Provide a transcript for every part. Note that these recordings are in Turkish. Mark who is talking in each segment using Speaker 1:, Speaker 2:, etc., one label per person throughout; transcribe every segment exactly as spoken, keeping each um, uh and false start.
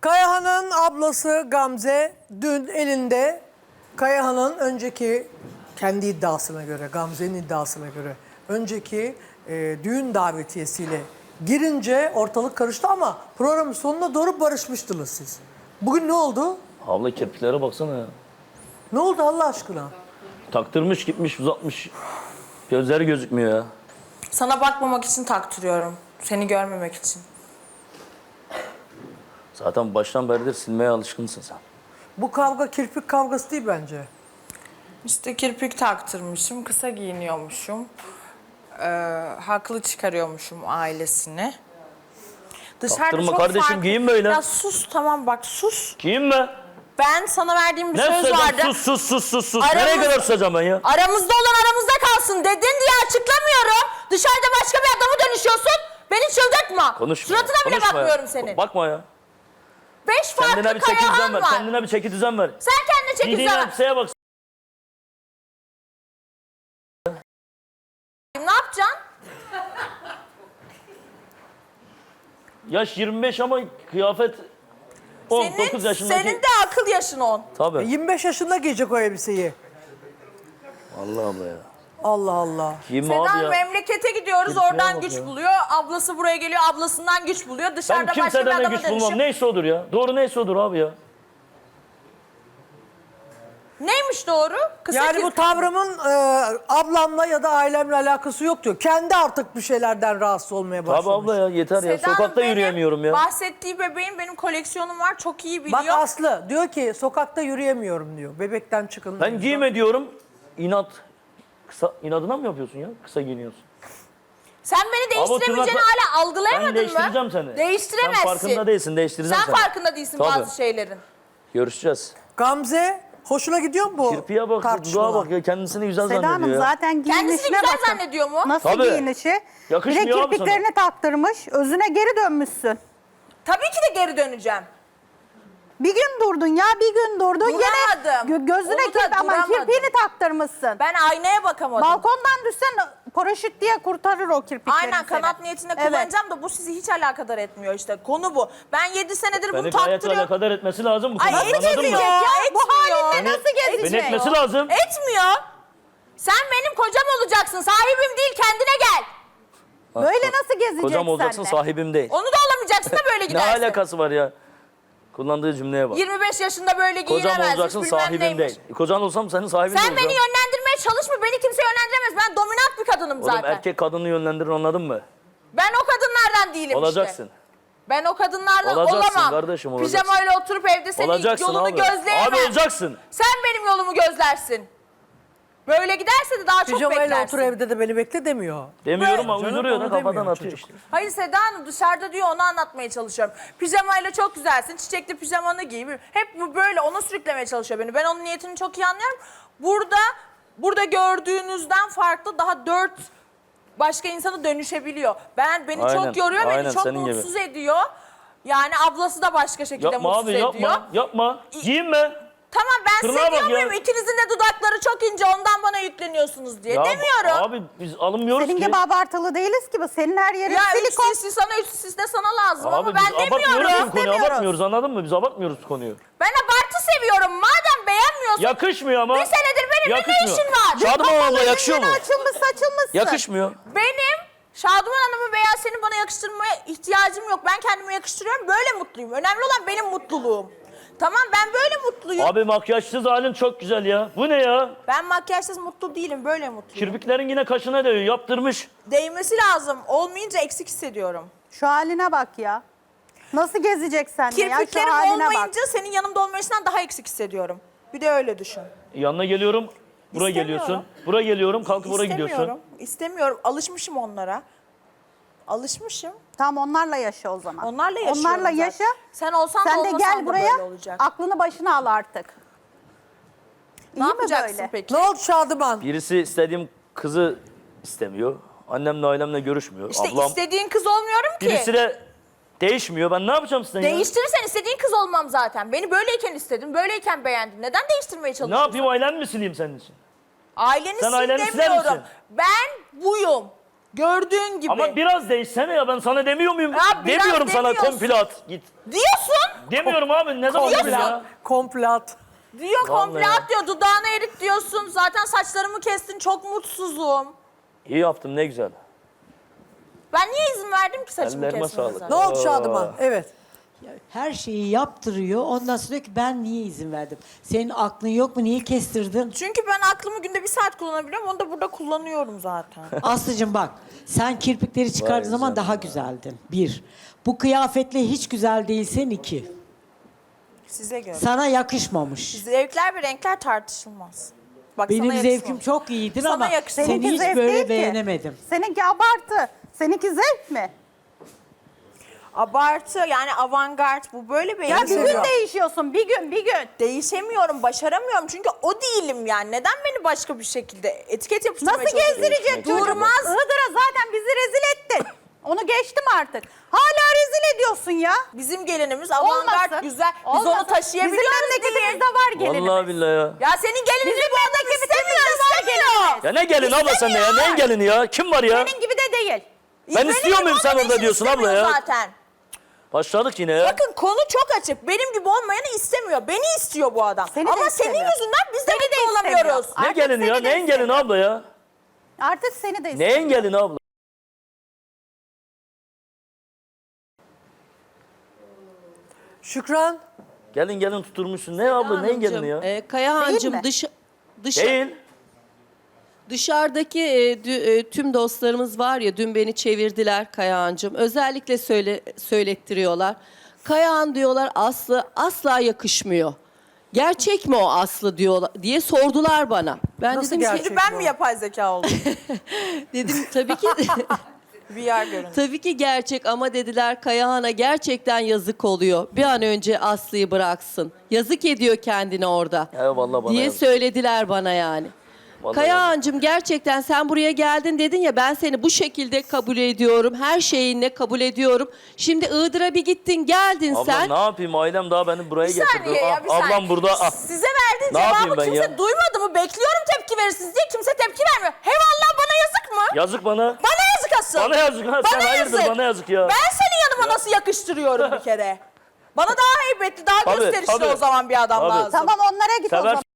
Speaker 1: Kayahan'ın ablası Gamze dün elinde Kayahan'ın önceki kendi iddiasına göre, Gamze'nin iddiasına göre önceki e, düğün davetiyesiyle girince ortalık karıştı ama programın sonuna doğru barışmıştınız siz. Bugün ne oldu?
Speaker 2: Abla kirpiklere baksana ya.
Speaker 1: Ne oldu Allah aşkına?
Speaker 2: Taktırmış gitmiş uzatmış. Gözleri gözükmüyor ya.
Speaker 3: Sana bakmamak için taktırıyorum. Seni görmemek için.
Speaker 2: Zaten baştan beridir silmeye alışkınsın sen.
Speaker 1: Bu kavga kirpik kavgası değil bence.
Speaker 3: İşte kirpik taktırmışım, kısa giyiniyormuşum. Ee, haklı çıkarıyormuşum ailesini. Dışarıda
Speaker 2: Taktırma
Speaker 3: çok
Speaker 2: kardeşim,
Speaker 3: farklı-
Speaker 2: giyin böyle.
Speaker 3: Ya sus tamam bak sus.
Speaker 2: Kim be?
Speaker 3: Ben sana verdiğim bir
Speaker 2: Ne
Speaker 3: söz
Speaker 2: söyleyeceğim?
Speaker 3: vardı.
Speaker 2: Sus sus sus sus sus.
Speaker 3: Aramız-
Speaker 2: Nereye kadar susacağım ben ya?
Speaker 3: Aramızda olan aramızda kalsın dedin diye açıklamıyorum. Dışarıda başka bir adama dönüşüyorsun. Beni çıldırtma.
Speaker 2: Konuşma.
Speaker 3: Suratına bile
Speaker 2: konuşma ya.
Speaker 3: bakmıyorum senin.
Speaker 2: Bakma ya.
Speaker 3: Beş farklı
Speaker 2: Kendine bir çeki düzen
Speaker 3: Kayahan
Speaker 2: ver.
Speaker 3: var.
Speaker 2: Kendine bir çeki düzen ver.
Speaker 3: Sen kendine çeki
Speaker 2: Giydiğin
Speaker 3: düzen ver.
Speaker 2: elbiseye bak.
Speaker 3: Ne yapacaksın?
Speaker 2: Yaş yirmi beş ama kıyafet on dokuz
Speaker 3: Senin,
Speaker 2: yaşındaki.
Speaker 3: senin de akıl yaşın on.
Speaker 2: Tabii.
Speaker 1: yirmi beş yaşında giyecek o elbiseyi.
Speaker 2: Allah Allah ya.
Speaker 1: Allah Allah.
Speaker 2: Giyinme abi
Speaker 3: Sedan
Speaker 2: ya.
Speaker 3: memlekete gidiyoruz,
Speaker 2: Kirpiğe
Speaker 3: oradan
Speaker 2: bak
Speaker 3: güç
Speaker 2: ya.
Speaker 3: buluyor. Ablası buraya geliyor, ablasından güç buluyor.
Speaker 2: Ben
Speaker 3: Dışarıda başka bir
Speaker 2: kimseden de
Speaker 3: adama
Speaker 2: güç bulmam.
Speaker 3: dönüşüp...
Speaker 2: Neyse odur ya. Doğru neyse odur abi ya.
Speaker 3: Neymiş doğru? Kısa
Speaker 1: Yani
Speaker 3: ki-
Speaker 1: bu tavrımın e, ablamla ya da ailemle alakası yok diyor. Kendi artık bir şeylerden rahatsız olmaya başlamış.
Speaker 2: Tabii abla ya yeter ya.
Speaker 3: Sedan
Speaker 2: Sokakta
Speaker 3: benim
Speaker 2: yürüyemiyorum ya.
Speaker 3: Bahsettiği bebeğin benim koleksiyonum var, çok iyi biliyor.
Speaker 1: Bak Aslı diyor ki sokakta yürüyemiyorum diyor. Bebekten çıkın.
Speaker 2: Ben giyme diyorum. İnat. Kısa, inadına mı yapıyorsun ya? Kısa giyiniyorsun.
Speaker 3: Sen beni değiştiremeyeceğini
Speaker 2: tırnakla-
Speaker 3: hala algılayamadın
Speaker 2: Ben değiştireceğim
Speaker 3: mı?
Speaker 2: seni.
Speaker 3: Değiştiremezsin.
Speaker 2: Sen farkında değilsin. Değiştireceğim
Speaker 3: Sen
Speaker 2: seni.
Speaker 3: farkında değilsin
Speaker 2: Tabii.
Speaker 3: bazı şeylerin.
Speaker 2: Görüşeceğiz.
Speaker 1: Gamze hoşuna gidiyor mu bu
Speaker 2: Kirpiye bak,
Speaker 1: tartışmalar?
Speaker 2: dudağa bak ya. Kendisini güzel
Speaker 4: Seda
Speaker 2: zannediyor
Speaker 4: Hanım
Speaker 2: ya.
Speaker 4: zaten
Speaker 3: Kendisini
Speaker 4: giyinişine
Speaker 3: güzel
Speaker 4: bakın.
Speaker 3: zannediyor mu?
Speaker 4: Nasıl
Speaker 2: Tabii.
Speaker 4: giyinişi?
Speaker 2: Yakışmıyor
Speaker 4: Bir de
Speaker 2: abi
Speaker 4: kirpiklerini taktırmış. Özüne geri dönmüşsün.
Speaker 3: Tabii ki de geri döneceğim.
Speaker 4: Bir gün durdun ya bir gün durdun. Yine
Speaker 3: Duramadım.
Speaker 4: gö- gözüne
Speaker 3: Onu da
Speaker 4: kirp ama
Speaker 3: duramadım.
Speaker 4: kirpiğini taktırmışsın.
Speaker 3: Ben aynaya bakamadım.
Speaker 4: Balkondan düşsen paraşüt diye kurtarır o kirpikleri
Speaker 3: Aynen
Speaker 4: seni.
Speaker 3: kanat niyetine
Speaker 4: Evet.
Speaker 3: kullanacağım da bu sizi hiç alakadar etmiyor işte. Konu bu. Ben yedi senedir bunu
Speaker 2: Beni gayet
Speaker 3: taktırıyorum.
Speaker 2: alakadar etmesi lazım bu
Speaker 3: Ay
Speaker 2: konuda. Anladın
Speaker 3: etmiyor
Speaker 2: mı?
Speaker 3: ya.
Speaker 4: Bu
Speaker 3: Etmiyor.
Speaker 4: halinle nasıl
Speaker 2: Beni
Speaker 4: gezecek?
Speaker 2: etmesi lazım.
Speaker 3: Etmiyor. Sen benim kocam olacaksın. Sahibim değil, kendine gel.
Speaker 4: Böyle nasıl gezecek
Speaker 2: Kocam olacaksın,
Speaker 4: seninle?
Speaker 2: sahibim değil.
Speaker 3: Onu da olamayacaksın da böyle
Speaker 2: Ne
Speaker 3: gidersin.
Speaker 2: alakası var ya? Kullandığı cümleye bak.
Speaker 3: yirmi beş yaşında böyle
Speaker 2: Kocam
Speaker 3: giyinemezmiş,
Speaker 2: olacaksın,
Speaker 3: bilmem
Speaker 2: sahibim
Speaker 3: neymiş.
Speaker 2: değil. Kocan olsam senin sahibin
Speaker 3: Sen
Speaker 2: olacağım.
Speaker 3: beni yönlendirmeye çalışma. Beni kimse yönlendiremez. Ben dominant bir kadınım
Speaker 2: Oğlum
Speaker 3: zaten.
Speaker 2: erkek kadını yönlendirir, anladın mı?
Speaker 3: Ben o kadınlardan değilim
Speaker 2: Olacaksın.
Speaker 3: işte. Ben o kadınlardan
Speaker 2: Olacaksın
Speaker 3: olamam.
Speaker 2: kardeşim, olacaksın.
Speaker 3: Pijamayla oturup evde senin
Speaker 2: Olacaksın
Speaker 3: yolunu
Speaker 2: abi.
Speaker 3: gözleyemem.
Speaker 2: Abi olacaksın.
Speaker 3: Sen benim yolumu gözlersin. Böyle giderse de daha çok
Speaker 1: Pijamayla
Speaker 3: beklersin.
Speaker 1: otur evde de beni bekle demiyor.
Speaker 2: Demiyorum ama
Speaker 1: Canım,
Speaker 2: uyduruyor
Speaker 1: onu
Speaker 2: da kafadan
Speaker 1: demiyor
Speaker 2: atıyor
Speaker 1: çocuk.
Speaker 2: işte.
Speaker 3: Hayır Seda Hanım dışarıda diyor onu anlatmaya çalışıyorum. Pijamayla çok güzelsin, çiçekli pijamanı giy. Hep bu böyle ona sürüklemeye çalışıyor beni. Ben onun niyetini çok iyi anlıyorum. Burada burada gördüğünüzden farklı daha dört başka insana dönüşebiliyor. Ben beni
Speaker 2: Aynen,
Speaker 3: çok yoruyor,
Speaker 2: aynen
Speaker 3: beni çok
Speaker 2: senin gibi.
Speaker 3: mutsuz ediyor. Yani ablası da başka şekilde
Speaker 2: Yapma
Speaker 3: mutsuz
Speaker 2: abi
Speaker 3: ediyor.
Speaker 2: yapma, yapma. Giyinme.
Speaker 3: Tamam ben
Speaker 2: Tırnağa
Speaker 3: size
Speaker 2: bak
Speaker 3: diyor
Speaker 2: ya.
Speaker 3: muyum ikinizin de dudakları çok ince ondan bana yükleniyorsunuz diye.
Speaker 2: Ya
Speaker 3: Demiyorum.
Speaker 2: Abi biz alınmıyoruz
Speaker 4: Senin
Speaker 2: ki.
Speaker 4: gibi abartılı değiliz ki bu. Senin her yerin
Speaker 3: Ya üç
Speaker 4: silikon.
Speaker 3: sisli sana üç sisli de sana lazım
Speaker 2: Abi
Speaker 3: ama
Speaker 2: biz
Speaker 3: ben
Speaker 2: abartmıyoruz
Speaker 3: demiyorum.
Speaker 2: ki bu konuyu,
Speaker 4: Demiyoruz.
Speaker 2: abartmıyoruz, anladın mı? Biz abartmıyoruz konuyu.
Speaker 3: Ben abartı seviyorum. Madem beğenmiyorsun.
Speaker 2: Yakışmıyor ama.
Speaker 3: Bir senedir benimle ne
Speaker 2: Yakışmıyor.
Speaker 3: işin var?
Speaker 2: Şadıman abla yakışıyor mu?
Speaker 4: Açılmış saçılmışsın.
Speaker 2: Yakışmıyor.
Speaker 3: Benim Şaduman Hanım'ı veya senin bana yakıştırmaya ihtiyacım yok. Ben kendime yakıştırıyorum. Böyle mutluyum. Önemli olan benim mutluluğum. Tamam ben böyle mutluyum.
Speaker 2: Abi makyajsız halin çok güzel ya. Bu ne ya?
Speaker 3: Ben makyajsız mutlu değilim. Böyle mutluyum.
Speaker 2: Kirpiklerin yine kaşına değiyor. Yaptırmış.
Speaker 3: Değmesi lazım. Olmayınca eksik hissediyorum.
Speaker 4: Şu haline bak ya. Nasıl gezecek seninle ya? Şu
Speaker 3: Kirpiklerim
Speaker 4: haline bak.
Speaker 3: olmayınca senin yanımda olmayışından daha eksik hissediyorum. Bir de öyle düşün.
Speaker 2: Yanına geliyorum. Buraya
Speaker 3: İstemiyorum.
Speaker 2: geliyorsun. Buraya geliyorum. Kalkıp oraya gidiyorsun.
Speaker 3: İstemiyorum. İstemiyorum. Alışmışım onlara. Alışmışım.
Speaker 4: Tamam onlarla yaşa o zaman.
Speaker 3: Onlarla yaşıyorum
Speaker 4: Onlarla
Speaker 3: zaten.
Speaker 4: yaşa.
Speaker 3: Sen olsan da
Speaker 4: Sen de
Speaker 3: olmasan
Speaker 4: gel
Speaker 3: da
Speaker 4: buraya
Speaker 3: böyle olacak.
Speaker 4: aklını başına al artık.
Speaker 3: Ne
Speaker 4: İyi mi
Speaker 3: yapacaksın
Speaker 4: böyle?
Speaker 3: peki?
Speaker 1: Ne oldu Şadıman?
Speaker 2: Birisi istediğim kızı istemiyor. Annemle ailemle görüşmüyor.
Speaker 3: İşte
Speaker 2: Ablam.
Speaker 3: istediğin kız olmuyorum ki.
Speaker 2: Birisi de değişmiyor. Ben ne yapacağım sizden ya?
Speaker 3: Değiştirirsen istediğin kız olmam zaten. Beni böyleyken istedin, böyleyken beğendin. Neden değiştirmeye
Speaker 2: Ne
Speaker 3: çalışıyorsun?
Speaker 2: yapayım, ailen mi sileyim senin için?
Speaker 3: Aileni
Speaker 2: Sen
Speaker 3: sil
Speaker 2: aileni siler
Speaker 3: demiyorum.
Speaker 2: misin?
Speaker 3: Ben buyum. Gördüğün gibi.
Speaker 2: Ama biraz değişsene ya, ben sana demiyor muyum?
Speaker 3: Ya biraz
Speaker 2: Demiyorum sana
Speaker 3: demiyorsun.
Speaker 2: komple at git.
Speaker 3: Diyorsun.
Speaker 2: Demiyorum abi, ne zaman dedim ya?
Speaker 1: Komplat. Komplat.
Speaker 3: Diyor
Speaker 2: Vallahi
Speaker 3: komple
Speaker 2: ya.
Speaker 3: at diyor. Dudağını erit diyorsun. Zaten saçlarımı kestin. Çok mutsuzum.
Speaker 2: İyi yaptım, ne güzel.
Speaker 3: Ben niye izin verdim ki saçımı
Speaker 2: Ellerime
Speaker 3: kesmenize?
Speaker 2: sağlık.
Speaker 1: Ne oldu Şadıman? Evet.
Speaker 5: Her şeyi yaptırıyor. Ondan sonra diyor ki ben niye izin verdim? Senin aklın yok mu? Niye kestirdin?
Speaker 3: Çünkü ben aklımı günde bir saat kullanabiliyorum. Onu da burada kullanıyorum zaten.
Speaker 5: Aslıcığım bak, sen kirpikleri çıkardığın zaman daha güzeldin. Bir. Bu kıyafetle hiç güzel değilsen iki.
Speaker 3: Size göre.
Speaker 5: Sana yakışmamış.
Speaker 3: Zevkler ve renkler tartışılmaz. Bak,
Speaker 5: Benim
Speaker 3: sana
Speaker 5: zevkim
Speaker 3: yakışmamış.
Speaker 5: çok iyidir
Speaker 3: Sana
Speaker 5: ama
Speaker 3: yakışmamış.
Speaker 5: seni
Speaker 4: Seninki
Speaker 5: hiç
Speaker 4: zevk değil
Speaker 5: böyle
Speaker 4: ki.
Speaker 5: beğenemedim.
Speaker 4: Seninki abartı. Seninki zevk mi?
Speaker 3: Abartı yani avantgard bu böyle bir
Speaker 4: Ya bir
Speaker 3: elbise.
Speaker 4: gün değişiyorsun. Bir gün, bir gün.
Speaker 3: Değişemiyorum, başaramıyorum çünkü o değilim yani. Neden beni başka bir şekilde etiket yapıştırmaya
Speaker 4: Nasıl
Speaker 3: çalışıyorsun?
Speaker 4: gezdirecek çocuk?
Speaker 3: Durmaz.
Speaker 4: Iğdır'a zaten bizi rezil ettin. Onu geçtim artık. Hala rezil ediyorsun ya.
Speaker 3: Bizim gelinimiz avantgard
Speaker 4: Olmasın.
Speaker 3: güzel. Biz
Speaker 4: Olmasın.
Speaker 3: onu taşıyabiliyoruz
Speaker 4: Bizim memleketimizde
Speaker 3: diye.
Speaker 4: var gelinimiz.
Speaker 2: Vallahi billahi ya.
Speaker 3: Ya senin gelinin
Speaker 4: Bizim
Speaker 3: bu adam istemiyor,
Speaker 4: memleketimizde var
Speaker 3: istemiyor.
Speaker 4: gelinimiz.
Speaker 2: Ya ne gelin abla sen de ya, neyin gelini ya? Kim var ya?
Speaker 4: Senin gibi de değil.
Speaker 2: Ben
Speaker 3: Benim
Speaker 2: istiyor muyum
Speaker 3: gibi
Speaker 2: sen
Speaker 3: olmadığı
Speaker 2: orada
Speaker 3: için
Speaker 2: diyorsun abla
Speaker 3: istemiyor
Speaker 2: ya?
Speaker 3: Zaten.
Speaker 2: Başladık yine ya.
Speaker 3: Bakın konu çok açık. Benim gibi olmayanı istemiyor. Beni istiyor bu adam.
Speaker 4: Seni de
Speaker 3: Ama senin
Speaker 4: istemiyor.
Speaker 3: yüzünden biz de
Speaker 4: Seni de
Speaker 3: mutlu
Speaker 4: istemiyor.
Speaker 3: olamıyoruz.
Speaker 2: Ne
Speaker 4: Artık
Speaker 2: gelini ya?
Speaker 4: seni de
Speaker 2: Neyin gelini
Speaker 4: istemiyor.
Speaker 2: abla ya?
Speaker 4: Artık seni de istemiyor.
Speaker 2: Neyin gelini abla?
Speaker 1: Şükran.
Speaker 2: Gelin gelin tuturmuşsun. Ne abla, neyin gelini ya?
Speaker 6: E, Kayahan'cığım
Speaker 4: mi?
Speaker 6: dış, dış,
Speaker 2: Değil.
Speaker 6: dışarıdaki e, dü- e, tüm dostlarımız var ya, dün beni çevirdiler Kayahan'cığım. Özellikle söyle, söylettiriyorlar. Kayahan diyorlar Aslı asla yakışmıyor. Gerçek mi o Aslı diyorlar diye sordular bana. Ben
Speaker 1: Nasıl
Speaker 6: dedim
Speaker 1: gerçek?
Speaker 6: ki,
Speaker 3: Şimdi ben mi yapay zeka oldum?
Speaker 6: dedim tabii ki
Speaker 3: V R görüntü.
Speaker 6: tabii ki gerçek ama dediler Kayahan'a gerçekten yazık oluyor. Bir an önce Aslı'yı bıraksın. Yazık ediyor kendine orada.
Speaker 2: Eyvallah bana
Speaker 6: diye
Speaker 2: yazık.
Speaker 6: söylediler bana yani.
Speaker 2: Vallahi
Speaker 6: Kayahan'cığım gerçekten sen buraya geldin dedin ya, ben seni bu şekilde kabul ediyorum. Her şeyinle kabul ediyorum. Şimdi Iğdır'a bir gittin geldin
Speaker 2: Abla
Speaker 6: sen.
Speaker 2: ne yapayım, ailem daha beni buraya
Speaker 3: Bir
Speaker 2: getirdi.
Speaker 3: saniye ya bir
Speaker 2: Ah,
Speaker 3: saniye.
Speaker 2: ablam burada. Ah.
Speaker 3: Size verdiği
Speaker 2: Ne yapayım
Speaker 3: cevabı
Speaker 2: ben
Speaker 3: kimse
Speaker 2: ya?
Speaker 3: duymadı mı? Bekliyorum tepki verirsiniz diye kimse tepki vermiyor. Hevallah bana yazık mı?
Speaker 2: Yazık bana.
Speaker 3: Bana yazık asıl.
Speaker 2: Bana yazık ha. Sen hayırdır, bana yazık ya.
Speaker 3: Ben senin yanıma nasıl yakıştırıyorum bir kere? Bana daha heybetli, daha
Speaker 2: Tabii,
Speaker 3: gösterişli
Speaker 2: tabii.
Speaker 3: o zaman bir adam
Speaker 2: Tabii.
Speaker 3: lazım.
Speaker 4: Tamam onlara git o
Speaker 2: Sever.
Speaker 4: zaman.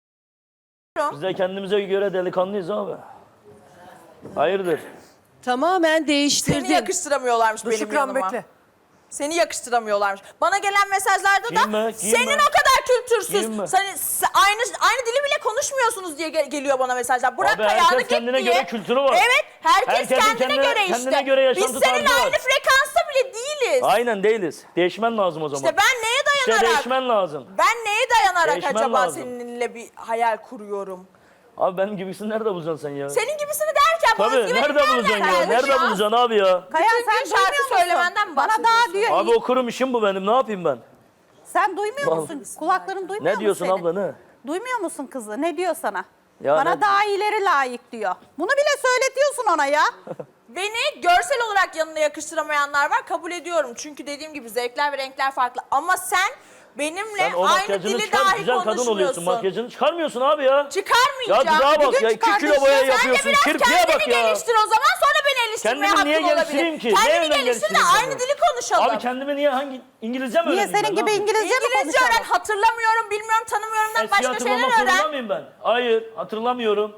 Speaker 2: Biz de kendimize göre delikanlıyız abi. Hayırdır?
Speaker 6: Tamamen
Speaker 3: Seni
Speaker 6: değiştirdin.
Speaker 3: yakıştıramıyorlarmış benim
Speaker 1: Şükran
Speaker 3: yanıma.
Speaker 1: bekle.
Speaker 3: Seni yakıştıramıyorlarmış. Bana gelen mesajlarda da
Speaker 2: Giyinme, giyinme.
Speaker 3: senin o kadar kültürsüz.
Speaker 2: Giyinme.
Speaker 3: Sen, sen- aynı aynı dili bile konuşmuyorsunuz diye gel- geliyor bana mesajlar. Bırak
Speaker 2: Abi
Speaker 3: ayağını
Speaker 2: herkes
Speaker 3: git
Speaker 2: kendine
Speaker 3: diye.
Speaker 2: göre kültürü var.
Speaker 3: Evet, herkes
Speaker 2: Herkesin
Speaker 3: kendine,
Speaker 2: kendine-
Speaker 3: göre işte.
Speaker 2: kendine göre yaşantı
Speaker 3: Biz seninle
Speaker 2: tarzı var.
Speaker 3: aynı frekansta bile değiliz.
Speaker 2: Aynen değiliz. Değişmen lazım o zaman.
Speaker 3: İşte ben neye
Speaker 2: İşte
Speaker 3: dayanarak,
Speaker 2: değişmen lazım.
Speaker 3: ben neye dayanarak
Speaker 2: Değişmen
Speaker 3: acaba
Speaker 2: lazım.
Speaker 3: seninle bir hayal kuruyorum?
Speaker 2: Abi benim gibisini nerede bulacaksın sen ya?
Speaker 3: Senin gibisini derken bana
Speaker 2: Tabii
Speaker 3: özgüvenim
Speaker 2: nerede bulacaksın ya?
Speaker 3: gelmiş
Speaker 2: Nerede
Speaker 3: ya?
Speaker 2: bulacaksın abi ya?
Speaker 4: Kayan
Speaker 3: Bütün
Speaker 4: sen
Speaker 3: gün şarkı
Speaker 4: duymuyor musun?
Speaker 3: söylemenden mi
Speaker 4: Bana daha
Speaker 3: bahsediyorsun?
Speaker 4: diyor.
Speaker 2: Abi okurum işim bu benim. Ne yapayım ben?
Speaker 4: Sen duymuyor
Speaker 2: Vallahi.
Speaker 4: musun? Kulakların duymuyor
Speaker 2: Ne diyorsun
Speaker 4: mu senin?
Speaker 2: abla ne?
Speaker 4: Duymuyor musun kızı? Ne diyor sana?
Speaker 2: Ya
Speaker 4: Bana
Speaker 2: ne-
Speaker 4: daha iyileri layık diyor. Bunu bile söyletiyorsun ona ya.
Speaker 3: Beni görsel olarak yanına yakıştıramayanlar var, kabul ediyorum. Çünkü dediğim gibi zevkler ve renkler farklı. Ama sen benimle
Speaker 2: Sen o
Speaker 3: aynı
Speaker 2: makyajını
Speaker 3: dili
Speaker 2: çıkar,
Speaker 3: dahi
Speaker 2: güzel kadın oluyorsun.
Speaker 3: konuşmuyorsun.
Speaker 2: Makyajını çıkarmıyorsun abi ya. Ya
Speaker 3: Çıkarmayacağım.
Speaker 2: dudağa
Speaker 3: Bir
Speaker 2: bak
Speaker 3: gün
Speaker 2: ya. iki kilo
Speaker 3: çıkartacağım.
Speaker 2: boya
Speaker 3: Sen de
Speaker 2: yapıyorsun.
Speaker 3: biraz
Speaker 2: Kirpiğe
Speaker 3: kendini
Speaker 2: bak ya.
Speaker 3: geliştir o zaman, sonra beni eleştirmeye
Speaker 2: Kendimi niye
Speaker 3: hakkın
Speaker 2: geliştireyim
Speaker 3: olabilir.
Speaker 2: ki? Ne
Speaker 3: Kendini
Speaker 2: yönden
Speaker 3: geliştir de
Speaker 2: geliştireyim
Speaker 3: aynı
Speaker 2: ben?
Speaker 3: dili konuşalım.
Speaker 2: Abi kendimi niye hangi İngilizce mi
Speaker 4: Niye
Speaker 2: öğreneyim
Speaker 4: senin
Speaker 2: ben?
Speaker 4: gibi
Speaker 2: Ne yapayım?
Speaker 4: İngilizce mi
Speaker 3: İngilizce öğren,
Speaker 4: konuşalım?
Speaker 3: hatırlamıyorum, bilmiyorum, tanımıyorumdan
Speaker 2: Eski
Speaker 3: başka
Speaker 2: hatırlamak
Speaker 3: şeyler
Speaker 2: zorunda
Speaker 3: öğren.
Speaker 2: mıyım ben? Hayır hatırlamıyorum.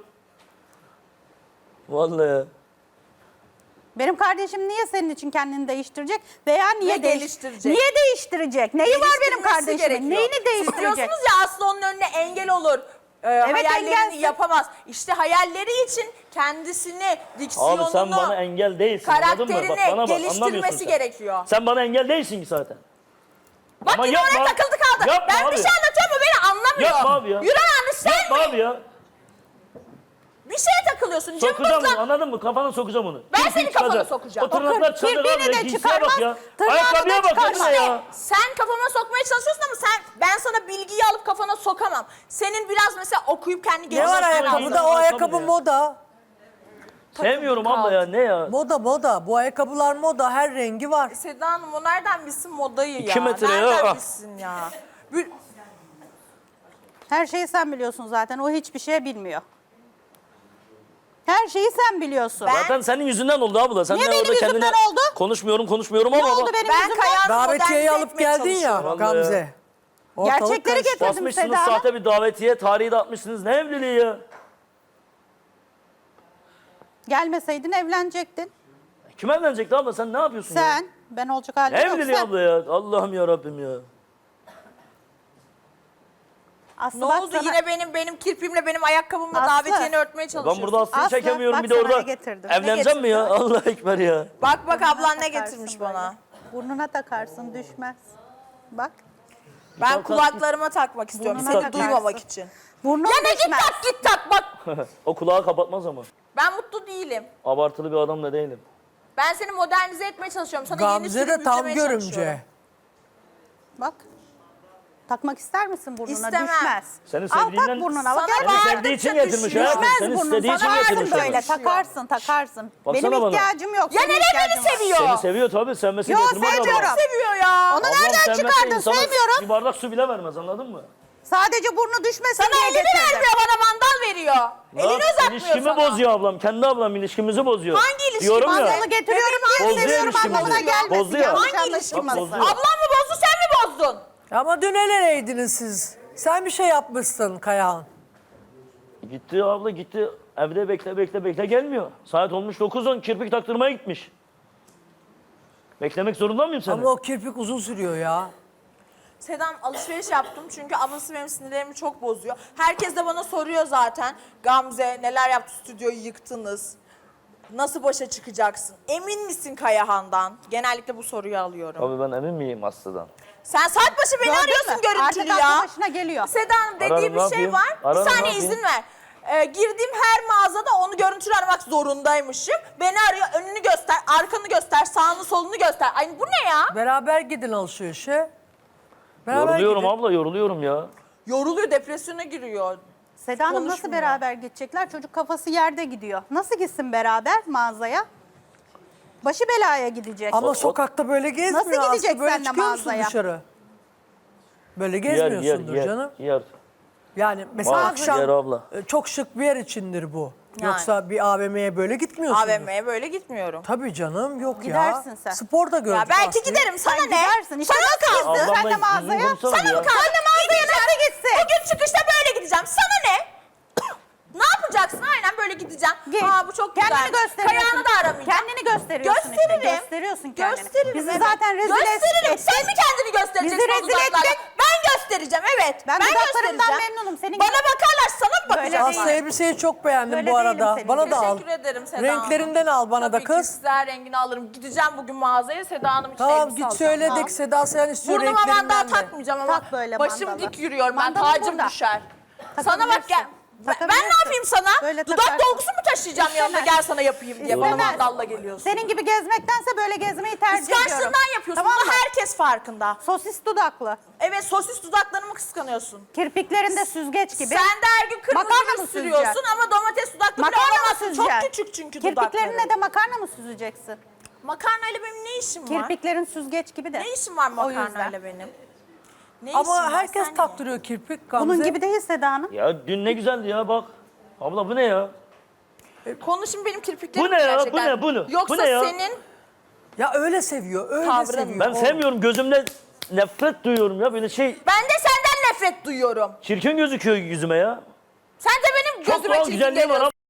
Speaker 2: Vallahi.
Speaker 4: Benim kardeşim niye senin için kendini değiştirecek veya niye
Speaker 3: Ve
Speaker 4: değiş-
Speaker 3: geliştirecek.
Speaker 4: Niye değiştirecek? Neyi var benim
Speaker 3: Geliştirmesi
Speaker 4: kardeşimin?
Speaker 3: gerekiyor.
Speaker 4: Neyini
Speaker 3: Siz
Speaker 4: değiştirecek?
Speaker 3: diyorsunuz ya Aslı onun önüne engel olur. Ee, hayallerini
Speaker 4: engelsin.
Speaker 3: yapamaz. İşte hayalleri için kendisini, diksiyonunu,
Speaker 2: Abi sen bana engel değilsin, anladın mı? Bak
Speaker 3: karakterini
Speaker 2: bana bak, anlamıyorsun
Speaker 3: geliştirmesi
Speaker 2: sen.
Speaker 3: gerekiyor.
Speaker 2: Sen bana engel değilsin ki zaten.
Speaker 3: Bak
Speaker 2: Ama
Speaker 3: yine
Speaker 2: yapma.
Speaker 3: oraya takıldı kaldı.
Speaker 2: Yapma
Speaker 3: Ben
Speaker 2: abi.
Speaker 3: bir şey anlatıyorum mu beni anlamıyor.
Speaker 2: Yapma abi ya.
Speaker 3: Yürü anne sen
Speaker 2: Yapma
Speaker 3: mi?
Speaker 2: abi ya.
Speaker 3: Bir şeye takılıyorsun.
Speaker 2: Sokacağım onu,
Speaker 3: Cımbızla.
Speaker 2: anladın mı? Kafana sokacağım onu.
Speaker 3: Ben
Speaker 2: Kirpiği
Speaker 3: senin kafana
Speaker 2: çıkacak.
Speaker 3: sokacağım.
Speaker 2: O tırnaklar çıkacak
Speaker 4: kirpiğini
Speaker 2: abi.
Speaker 4: de
Speaker 2: Ya, giysiye
Speaker 4: çıkarmaz,
Speaker 2: bak ya.
Speaker 4: tırnağını
Speaker 2: Ayakkabıya
Speaker 4: da
Speaker 2: bak
Speaker 4: çıkarmaz.
Speaker 2: ne ya.
Speaker 3: Sen kafama sokmaya çalışıyorsun ama sen ben sana bilgiyi alıp kafana sokamam. Senin biraz mesela okuyup kendi
Speaker 1: Ne var
Speaker 3: geliştirmen
Speaker 1: ayakkabıda?
Speaker 3: lazım.
Speaker 1: O
Speaker 2: Ayakkabı
Speaker 1: ayakkabı
Speaker 2: ya.
Speaker 1: moda.
Speaker 2: Sevmiyorum abla ya, ne ya?
Speaker 1: Moda moda. Bu ayakkabılar moda. Her rengi var.
Speaker 3: Seda Hanım o nereden bilsin modayı ya?
Speaker 2: İki metre ya.
Speaker 3: Nereden
Speaker 2: Ah.
Speaker 3: bilsin ya? Bir-
Speaker 4: Her şeyi sen biliyorsun zaten. O hiçbir şey bilmiyor. Her şeyi sen biliyorsun.
Speaker 2: Zaten senin yüzünden oldu abla. Sen
Speaker 4: Niye
Speaker 2: de
Speaker 4: benim
Speaker 2: orada
Speaker 4: yüzümden
Speaker 2: kendine
Speaker 4: oldu?
Speaker 2: konuşmuyorum konuşmuyorum
Speaker 4: Ne
Speaker 2: ama
Speaker 4: oldu
Speaker 2: bak,
Speaker 4: benim
Speaker 3: Ben
Speaker 4: yüzümden?
Speaker 3: Kaya'nı
Speaker 1: Davetiyeyi
Speaker 3: modernize
Speaker 1: alıp
Speaker 3: etmeye
Speaker 1: geldin ya
Speaker 3: çalışıyorum.
Speaker 1: Gamze. Ortalık
Speaker 4: Gerçekleri
Speaker 1: karıştı.
Speaker 4: getirdim
Speaker 2: basmışsınız
Speaker 4: Seda Hanım.
Speaker 2: sahte bir davetiye, tarihi de atmışsınız. Ne evliliği ya?
Speaker 4: Gelmeseydin evlenecektin.
Speaker 2: Kim evlenecekti abla? Sen ne yapıyorsun ya?
Speaker 4: Sen. Ben olacak halim
Speaker 2: Ne
Speaker 4: yok.
Speaker 2: evliliği
Speaker 4: Sen.
Speaker 2: abla ya? Allah'ım ya Rabbim ya.
Speaker 4: Aslı
Speaker 3: Ne
Speaker 4: bak
Speaker 3: oldu
Speaker 4: sana-
Speaker 3: yine benim benim kirpimle benim ayakkabımla
Speaker 4: Aslı.
Speaker 3: davetiyeni örtmeye
Speaker 2: Ben
Speaker 3: çalışıyorsun.
Speaker 2: burada Aslı'yı
Speaker 4: Aslı,
Speaker 2: çekemiyorum
Speaker 4: bak
Speaker 2: bir de
Speaker 4: sana
Speaker 2: orada
Speaker 4: ne getirdim. Ne
Speaker 2: evleneceğim mi ya?
Speaker 3: getirdin?
Speaker 2: Allah ekber ya.
Speaker 3: Bak bak ablan ne
Speaker 4: Takarsın
Speaker 3: getirmiş
Speaker 4: böyle.
Speaker 3: bana.
Speaker 4: Burnuna takarsın düşmez. Bak.
Speaker 3: Ben kulaklarıma takmak istiyorum
Speaker 4: Burnuna
Speaker 3: seni
Speaker 4: takarsın.
Speaker 3: duymamak için.
Speaker 4: Burnuna
Speaker 3: Ya ne git
Speaker 4: düşmez.
Speaker 3: tak git tak bak.
Speaker 2: O kulağı kapatmaz ama.
Speaker 3: Ben mutlu değilim.
Speaker 2: Abartılı bir adam da değilim.
Speaker 3: Ben seni modernize etmeye çalışıyorum. Sana yeni
Speaker 1: Gamze
Speaker 3: sürüm
Speaker 1: de tam
Speaker 3: yüklemeye çalışıyorum.
Speaker 1: görümce.
Speaker 4: Bak. Takmak ister misin burnuna?
Speaker 3: İstemem.
Speaker 4: Düşmez.
Speaker 2: Seni
Speaker 4: Al tak
Speaker 2: sevdiğinden-
Speaker 4: burnuna. Bak
Speaker 3: Sana
Speaker 4: gel.
Speaker 2: Seni
Speaker 3: bağırdıkça
Speaker 2: sevdiği için
Speaker 3: düşüyor.
Speaker 2: getirmiş hayatım.
Speaker 4: Düşmez
Speaker 2: Seni
Speaker 4: burnun.
Speaker 2: istediği için
Speaker 4: Sana
Speaker 2: getirmiş.
Speaker 4: verdim
Speaker 2: yani.
Speaker 4: böyle. Takarsın takarsın.
Speaker 2: Baksana
Speaker 4: Benim
Speaker 2: bana.
Speaker 4: ihtiyacım yok.
Speaker 3: Ya
Speaker 4: senin
Speaker 3: neden beni
Speaker 4: ihtiyacın var.
Speaker 3: seviyor?
Speaker 2: Seni seviyor tabii. Sevmesi
Speaker 4: Yo,
Speaker 2: getirmez
Speaker 4: sevmiyorum.
Speaker 2: abla.
Speaker 3: Seviyor ya.
Speaker 4: Onu
Speaker 2: Ablam
Speaker 4: nereden
Speaker 2: sevmese
Speaker 4: çıkardın?
Speaker 2: insana
Speaker 4: Sevmiyorum.
Speaker 2: Bir bardak su bile vermez anladın mı?
Speaker 4: Sadece burnu düşmesin
Speaker 3: Sana
Speaker 4: diye
Speaker 3: elini
Speaker 4: getirdim.
Speaker 3: vermiyor bana mandal veriyor.
Speaker 2: Ne
Speaker 3: Elini
Speaker 2: yap-
Speaker 3: uzatmıyor
Speaker 2: İlişkimi
Speaker 3: sana.
Speaker 2: bozuyor ablam. Kendi ablam ilişkimizi bozuyor.
Speaker 3: Hangi ilişki?
Speaker 2: Diyorum ya.
Speaker 4: Mandalı getiriyorum diye
Speaker 2: Bozuyor
Speaker 4: seviyorum
Speaker 2: ilişkimizi.
Speaker 4: anlamına gelmesin.
Speaker 2: Bozuyor.
Speaker 4: Yanlış
Speaker 3: Hangi ilişki?
Speaker 4: anlaşılmasın.
Speaker 2: Bozuyor.
Speaker 3: Ablam mı bozdu sen mi bozdun?
Speaker 1: Ama dün el eleydiniz siz. Sen bir şey yapmışsın Kayahan.
Speaker 2: Gitti abla gitti. Evde bekle bekle bekle gelmiyor. Saat olmuş dokuz on kirpik taktırmaya gitmiş. Beklemek zorunda mıyım seni?
Speaker 1: Ama o kirpik uzun sürüyor ya.
Speaker 3: Sedam alışveriş yaptım çünkü ablası benim sinirlerimi çok bozuyor. Herkes de bana soruyor zaten. Gamze neler yaptı stüdyoyu yıktınız. Nasıl başa çıkacaksın? Emin misin Kayahan'dan? Genellikle bu soruyu alıyorum.
Speaker 2: Abi ben emin miyim Aslı'dan?
Speaker 3: Sen saat başı beni
Speaker 4: Gördün
Speaker 3: arıyorsun
Speaker 4: mü?
Speaker 3: görüntülü
Speaker 4: Artık
Speaker 3: ya.
Speaker 4: aklı başına geliyor.
Speaker 3: Seda Hanım dediği
Speaker 2: Ararım,
Speaker 3: bir
Speaker 2: ne
Speaker 3: şey
Speaker 2: yapayım?
Speaker 3: var.
Speaker 2: Ararım,
Speaker 3: bir
Speaker 2: ne
Speaker 3: saniye
Speaker 2: yapayım?
Speaker 3: izin ver. Ee, girdiğim her mağazada onu görüntülü aramak zorundaymışım. Beni arıyor, önünü göster, arkanı göster, sağını solunu göster. Ay bu ne ya?
Speaker 1: Beraber gidin alışverişe. Beraber
Speaker 2: Yoruluyorum
Speaker 1: gidin.
Speaker 2: abla yoruluyorum ya.
Speaker 3: Yoruluyor, depresyona giriyor.
Speaker 4: Seda Hanım nasıl
Speaker 3: Konuşmuyor.
Speaker 4: beraber gidecekler? Çocuk kafası yerde gidiyor. Nasıl gitsin beraber mağazaya? Başı belaya gidecek.
Speaker 1: Ama sokakta böyle gezmiyor.
Speaker 4: Nasıl gidecek
Speaker 1: Aslı, böyle
Speaker 4: seninle
Speaker 1: çıkıyor musun
Speaker 4: mağazaya?
Speaker 1: dışarı? Böyle
Speaker 2: Yer yer
Speaker 1: gezmiyorsundur
Speaker 2: yer.
Speaker 1: canım.
Speaker 2: Yer.
Speaker 1: Yani mesela
Speaker 2: Mağaza
Speaker 1: akşam
Speaker 2: yer abla.
Speaker 1: e, çok şık bir yer içindir bu.
Speaker 3: Yani.
Speaker 1: Yoksa bir A V M'ye böyle gitmiyorsun.
Speaker 3: A V M'ye böyle gitmiyorum.
Speaker 1: Tabii canım yok
Speaker 4: Gidersin
Speaker 1: ya.
Speaker 4: sen.
Speaker 1: Spor da gördük
Speaker 3: Ya belki
Speaker 1: Aslı'yı.
Speaker 3: giderim sana
Speaker 4: Sen
Speaker 3: ne?
Speaker 4: gidersin. İşte
Speaker 3: Sana
Speaker 4: nasıl
Speaker 3: kaldı.
Speaker 4: gitsin? Sen de
Speaker 2: Ablamla
Speaker 4: mağazaya.
Speaker 2: düzgün konuşsana
Speaker 3: Sana
Speaker 2: ya.
Speaker 3: mı kaldı?
Speaker 4: Sen de mağazaya nasıl gitsin?
Speaker 3: Bugün çıkışta böyle gideceğim. Sana ne? Ne yapacaksın? Aynen böyle gideceğim.
Speaker 4: Git.
Speaker 3: Aa bu çok güzel.
Speaker 4: Kendini gösteriyorsun.
Speaker 3: Kayağını da aramayacağım.
Speaker 4: Kendini gösteriyorsun
Speaker 3: Gösteririm.
Speaker 4: işte. Gösteriyorsun kendini.
Speaker 3: Gösteririm.
Speaker 4: Bizi
Speaker 3: evet.
Speaker 4: zaten rezil
Speaker 3: Gösteririm.
Speaker 4: ettin.
Speaker 3: Sen mi kendini göstereceksin
Speaker 4: Bizi
Speaker 3: o
Speaker 4: rezil
Speaker 3: dudaklarla?
Speaker 4: ettin.
Speaker 3: Ben göstereceğim evet.
Speaker 4: Ben dudaklarımdan
Speaker 3: göstereceğim.
Speaker 4: memnunum. Senin
Speaker 3: Bana
Speaker 4: gibi-
Speaker 3: bakarlar sana mı
Speaker 4: Böyle
Speaker 3: bakacağım?
Speaker 4: değil.
Speaker 1: Aslı elbiseyi çok beğendim
Speaker 4: Böyle
Speaker 1: bu
Speaker 4: değilim
Speaker 1: arada.
Speaker 4: senin
Speaker 1: Bana
Speaker 4: gibi.
Speaker 1: da al.
Speaker 3: Teşekkür ederim Seda
Speaker 1: Renklerinden al bana
Speaker 3: Tabii
Speaker 1: da
Speaker 3: ki
Speaker 1: kız.
Speaker 3: güzel rengini alırım. Gideceğim bugün mağazaya Seda Hanım için
Speaker 1: Tamam
Speaker 3: elbise
Speaker 1: git
Speaker 3: alacağım.
Speaker 1: söyledik. Seda sen istiyor
Speaker 3: Burnuma mandal
Speaker 1: renklerinden de.
Speaker 3: takmayacağım ama
Speaker 4: Tak böyle
Speaker 3: başım
Speaker 4: mandalı.
Speaker 3: dik yürüyorum ben.
Speaker 4: Mandalın
Speaker 3: Tacım
Speaker 4: burada.
Speaker 3: düşer. Sana bak gel.
Speaker 4: Takabilirsin.
Speaker 3: Ben, ben
Speaker 4: Takabilirsin.
Speaker 3: ne yapayım sana?
Speaker 4: Böyle
Speaker 3: Dudak
Speaker 4: takarsın.
Speaker 3: dolgusu mu taşıyacağım yanında
Speaker 4: İstemez.
Speaker 3: gel sana yapayım diye bana
Speaker 4: İstemez.
Speaker 3: mandalla geliyorsun.
Speaker 4: Senin gibi gezmektense böyle gezmeyi tercih ediyorum.
Speaker 3: Kıskançlığından yapıyorsun.
Speaker 4: Tamam
Speaker 3: Bunu
Speaker 4: mı?
Speaker 3: herkes farkında.
Speaker 4: Sosis dudaklı.
Speaker 3: Evet sosis dudaklarımı kıskanıyorsun.
Speaker 4: Kirpiklerinde süzgeç gibi.
Speaker 3: Sen de her gün kırmızı
Speaker 4: Makarna
Speaker 3: ruj
Speaker 4: mı
Speaker 3: sürüyorsun
Speaker 4: süzeceksin?
Speaker 3: ama domates dudaklı bile
Speaker 4: Makarna mı
Speaker 3: olamazsın. Çok
Speaker 4: süzeceksin?
Speaker 3: küçük çünkü dudakları.
Speaker 4: Kirpiklerine de makarna mı süzeceksin?
Speaker 3: Makarnayla benim ne işim var?
Speaker 4: Kirpiklerin süzgeç gibi de.
Speaker 3: Ne işim var
Speaker 4: O yüzden.
Speaker 3: makarnayla benim? Ne işim
Speaker 1: Ama
Speaker 3: var?
Speaker 1: herkes
Speaker 3: Sen
Speaker 1: taktırıyor kirpik Gamze.
Speaker 4: Bunun gibi değil Seda Hanım.
Speaker 2: Ya dün ne güzeldi ya bak. Abla bu ne ya?
Speaker 3: niye? Konuşun benim kirpiklerim
Speaker 2: Bu ne ya?
Speaker 3: gerçekten.
Speaker 2: Bu ne? Bu ne?
Speaker 3: Yoksa
Speaker 2: Bu ne ya?
Speaker 3: senin
Speaker 1: Ya öyle seviyor, öyle
Speaker 3: Tavrın.
Speaker 1: seviyor.
Speaker 2: Ben
Speaker 1: O-
Speaker 2: sevmiyorum gözümde nefret duyuyorum ya böyle şey
Speaker 3: ben de senden nefret duyuyorum.
Speaker 2: çirkin gözüküyor yüzüme ya.
Speaker 3: Sen de benim
Speaker 2: Çok
Speaker 3: gözüme
Speaker 2: doğal
Speaker 3: çirkin
Speaker 2: güzelliği var
Speaker 3: geliyorsun.
Speaker 2: ama.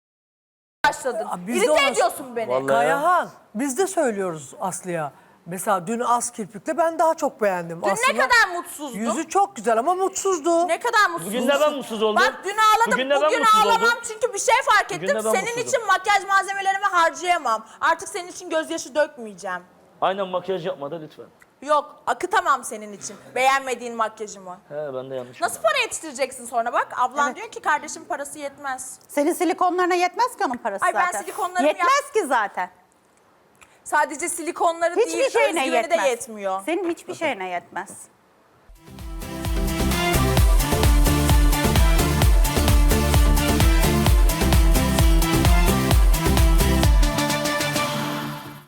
Speaker 3: Başladın.
Speaker 1: Aa, biz de
Speaker 3: İrite
Speaker 1: ona-
Speaker 3: ediyorsun beni.
Speaker 2: Vallahi-
Speaker 1: Kayahan, biz de söylüyoruz Aslı'ya. Mesela dün az kirpikle ben daha çok beğendim.
Speaker 3: Dün
Speaker 1: Aslında
Speaker 3: ne kadar mutsuzdum.
Speaker 1: yüzü çok güzel ama mutsuzdu.
Speaker 3: Ne kadar mutsuz.
Speaker 2: Bugün de ben mutsuz oldum.
Speaker 3: Bak dün ağladım,
Speaker 2: Bugün
Speaker 3: bugün,
Speaker 2: de ben mutsuz
Speaker 3: ağlamam
Speaker 2: oldum.
Speaker 3: çünkü bir şey fark
Speaker 2: Bugün
Speaker 3: ettim.
Speaker 2: de ben
Speaker 3: Senin
Speaker 2: mutsuzum.
Speaker 3: için makyaj malzemelerimi harcayamam. Artık senin için gözyaşı dökmeyeceğim.
Speaker 2: Aynen makyaj yapma da lütfen.
Speaker 3: Yok, akıtamam senin için. Beğenmediğin makyajımı.
Speaker 2: He ben de yanlış.
Speaker 3: Nasıl para yetiştireceksin sonra bak? Ablan diyor ki kardeşim parası yetmez.
Speaker 4: Senin silikonlarına yetmez ki onun parası
Speaker 3: Ay, ben
Speaker 4: zaten.
Speaker 3: silikonlarımı
Speaker 4: Yetmez ki zaten.
Speaker 3: Sadece silikonları
Speaker 4: Hiçbir
Speaker 3: değil,
Speaker 4: şeyine
Speaker 3: özgüveni
Speaker 4: yetmez.
Speaker 3: de yetmiyor.
Speaker 4: Senin hiçbir şeyine yetmez.